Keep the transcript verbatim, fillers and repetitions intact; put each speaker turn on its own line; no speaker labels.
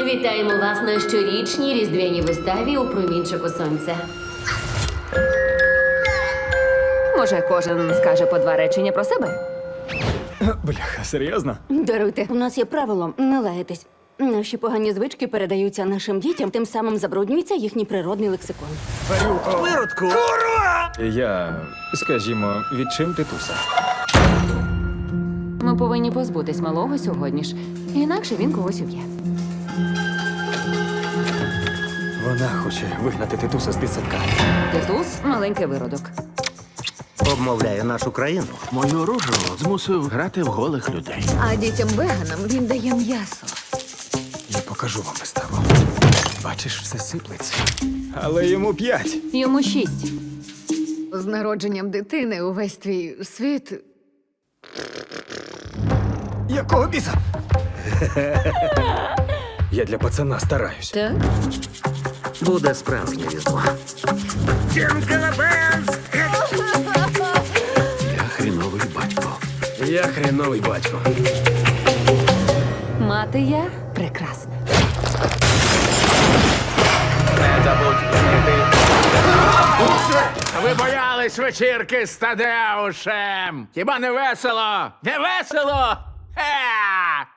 Вітаємо вас на щорічній різдвяній виставі у промінчику сонця.
Може, кожен скаже по два речення про себе?
Бляха, серйозно?
Даруйте, у нас є правило не лаятись. Наші погані звички передаються нашим дітям, тим самим забруднюється їхній природний лексикон.
Виродку!
Я, скажімо, відчим титуса.
Ми повинні позбутись малого сьогодні ж. Інакше він когось уб'є.
Вона хоче вигнати титуса з дитсадка.
Титус – маленький виродок.
Обмовляє нашу країну.
Мою рожу змусив грати в голих людей.
А дітям-веганам він дає м'ясо.
Я покажу вам виставу. Бачиш, все сиплеться. Але йому п'ять.
Йому шість.
З народженням дитини увесь твій світ.
Якого біса? Я для пацана стараюсь.
Так?
Буде справжнє різдво.
Я хріновий батько.
Я хреновий батько.
Мати я прекрасна.
Ви боялись вечірки з Тадеушем? Хіба не весело? Не весело? Ха!